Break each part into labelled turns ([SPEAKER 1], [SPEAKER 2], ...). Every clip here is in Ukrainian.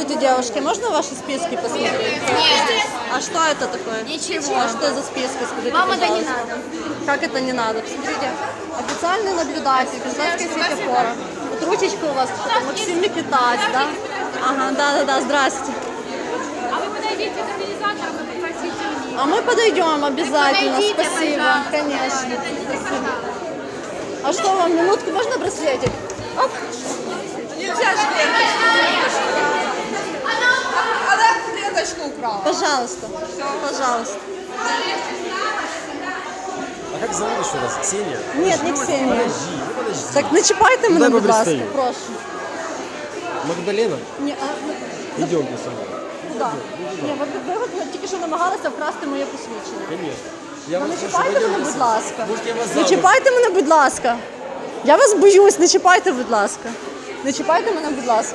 [SPEAKER 1] Здравствуйте, девушки. Можно ваши списки посмотреть?
[SPEAKER 2] Нет.
[SPEAKER 1] А что это такое?
[SPEAKER 2] Ничего.
[SPEAKER 1] А что за списки? Скажите,
[SPEAKER 2] Вам это не
[SPEAKER 1] пожалуйста.
[SPEAKER 2] надо.
[SPEAKER 1] Как это не надо? Посмотрите. Официальный наблюдатель, Казахская сеть опора. Вот ручечка у вас, что-то Максим Микитась, да? Ага, да-да-да, здрасте.
[SPEAKER 2] А вы подойдите к организаторам и попросите у них.
[SPEAKER 1] А мы подойдем обязательно,
[SPEAKER 2] Подойдите,
[SPEAKER 1] спасибо.
[SPEAKER 2] пожалуйста.
[SPEAKER 1] Конечно. Спасибо. А что вам, минутку можно браслетик? Оп.
[SPEAKER 3] Нельзя же она клеточку украла.
[SPEAKER 1] Пожалуйста. Пожалуйста.
[SPEAKER 4] А как зовут еще раз? Ксения?
[SPEAKER 1] Нет, не Ксенія.
[SPEAKER 4] Подожди.
[SPEAKER 1] Так, не чіпайте мене,
[SPEAKER 4] Дай
[SPEAKER 1] будь ласка,
[SPEAKER 4] пристаю.
[SPEAKER 1] прошу.
[SPEAKER 4] Магдалена?
[SPEAKER 1] Ні,
[SPEAKER 4] Идемте со мной.
[SPEAKER 1] куди? Ні, ви от тільки що намагалися вкрасти моє посвідчення.
[SPEAKER 4] Конечно. Я
[SPEAKER 1] Ну,
[SPEAKER 4] вас
[SPEAKER 1] не
[SPEAKER 4] прошу,
[SPEAKER 1] чіпайте
[SPEAKER 4] пойдемте
[SPEAKER 1] мене,
[SPEAKER 4] со
[SPEAKER 1] будь
[SPEAKER 4] мной.
[SPEAKER 1] ласка.
[SPEAKER 4] Может, я вас
[SPEAKER 1] Не
[SPEAKER 4] замуж?
[SPEAKER 1] чіпайте мене, будь ласка. Я вас боюсь, не чіпайте, будь ласка. Не чіпайте мене, будь ласка.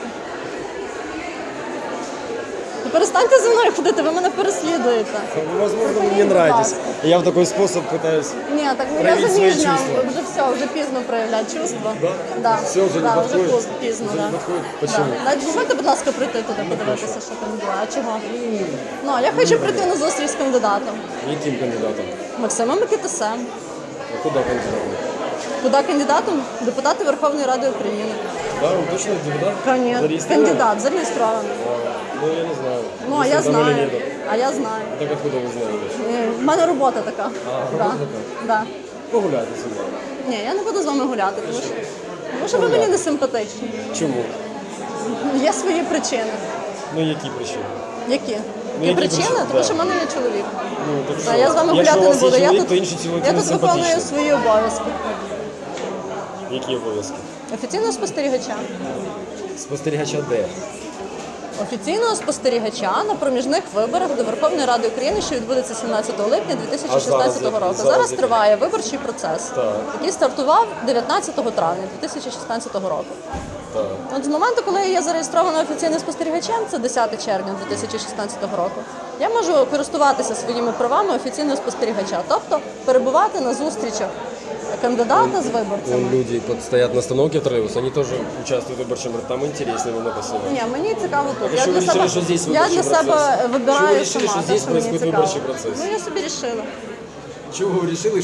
[SPEAKER 1] Ну, перестаньте за мною ходити, ви мене переслідуєте.
[SPEAKER 4] Возможно, вы мне
[SPEAKER 1] Будь
[SPEAKER 4] нравитесь.
[SPEAKER 1] ласка.
[SPEAKER 4] Я в такой способ пытаюсь.
[SPEAKER 1] Ні, так я
[SPEAKER 4] Проявіть свої
[SPEAKER 1] заміжня,
[SPEAKER 4] чувства.
[SPEAKER 1] вже все, вже пізно проявляти чувства.
[SPEAKER 4] Да?
[SPEAKER 1] Да.
[SPEAKER 4] Все уже не
[SPEAKER 1] да,
[SPEAKER 4] подходит?
[SPEAKER 1] вже пізно,
[SPEAKER 4] Уже
[SPEAKER 1] да.
[SPEAKER 4] не подходит? Почему?
[SPEAKER 1] Да. Дозвольте, будь ласка, прийти туди, подивитися, що там було. А чого? Ну, я хочу прийти на зустріч з кандидатом.
[SPEAKER 4] Яким кандидатом?
[SPEAKER 1] Максимом Микитасем.
[SPEAKER 4] А куда кандидатом?
[SPEAKER 1] Куди кандидатом? Депутати Верховної Ради України.
[SPEAKER 4] Да, он точно депутат?
[SPEAKER 1] Конечно.
[SPEAKER 4] Зарегистрирован?
[SPEAKER 1] Кандидат, зареєстрований.
[SPEAKER 4] Ну, я не знаю.
[SPEAKER 1] Ну, а я
[SPEAKER 4] Если там или
[SPEAKER 1] знаю.
[SPEAKER 4] нет.
[SPEAKER 1] А я знаю.
[SPEAKER 4] Так откуда вы знаете?
[SPEAKER 1] В мене робота така.
[SPEAKER 4] робота така?
[SPEAKER 1] Да.
[SPEAKER 4] Погуляйте со мной.
[SPEAKER 1] Ні, я не буду з вами гуляти, тому що ви мені не симпатичні.
[SPEAKER 4] Чому?
[SPEAKER 1] Є свої причини.
[SPEAKER 4] Ну, які причини?
[SPEAKER 1] Які?
[SPEAKER 4] Ну,
[SPEAKER 1] Які
[SPEAKER 4] які
[SPEAKER 1] причини?
[SPEAKER 4] причини?
[SPEAKER 1] Тому
[SPEAKER 4] Да.
[SPEAKER 1] що в мене є чоловік.
[SPEAKER 4] Ну, так
[SPEAKER 1] А я з вами
[SPEAKER 4] Якщо
[SPEAKER 1] гуляти
[SPEAKER 4] у
[SPEAKER 1] не
[SPEAKER 4] вас є
[SPEAKER 1] буду. Я
[SPEAKER 4] чоловік,
[SPEAKER 1] тут,
[SPEAKER 4] то інший чоловік
[SPEAKER 1] я
[SPEAKER 4] не
[SPEAKER 1] тут виконую
[SPEAKER 4] симпатичний.
[SPEAKER 1] свої обов'язки.
[SPEAKER 4] Які обов'язки?
[SPEAKER 1] Офіційного спостерігача.
[SPEAKER 4] Спостерігача де?
[SPEAKER 1] Офіційного спостерігача на проміжних виборах до Верховної Ради України, що відбудеться 17 липня 2016 року.
[SPEAKER 4] зараз
[SPEAKER 1] Зараз
[SPEAKER 4] який?
[SPEAKER 1] триває виборчий процес,
[SPEAKER 4] Так.
[SPEAKER 1] який стартував 19 травня 2016 року.
[SPEAKER 4] Так.
[SPEAKER 1] От з моменту, коли я є зареєстрована офіційним спостерігачем, це 10 червня 2016 року, я можу користуватися своїми правами офіційного спостерігача, тобто перебувати на зустрічах кандидата з виборцями.
[SPEAKER 4] Вон люди стоят на остановке троллейбуса, они тоже участвуют в выборчем, там интереснее намного снимать.
[SPEAKER 1] Ні, мені цікаво тут.
[SPEAKER 4] А що ви вирішили, що здесь
[SPEAKER 1] я
[SPEAKER 4] виборчий
[SPEAKER 1] для себе
[SPEAKER 4] процес? Що ви
[SPEAKER 1] вибираю
[SPEAKER 4] вирішили,
[SPEAKER 1] сама,
[SPEAKER 4] що здесь
[SPEAKER 1] те, що мені
[SPEAKER 4] происходит
[SPEAKER 1] цікаво.
[SPEAKER 4] виборчий процес?
[SPEAKER 1] Ну, я собі вирішила.
[SPEAKER 4] Чего вы решили,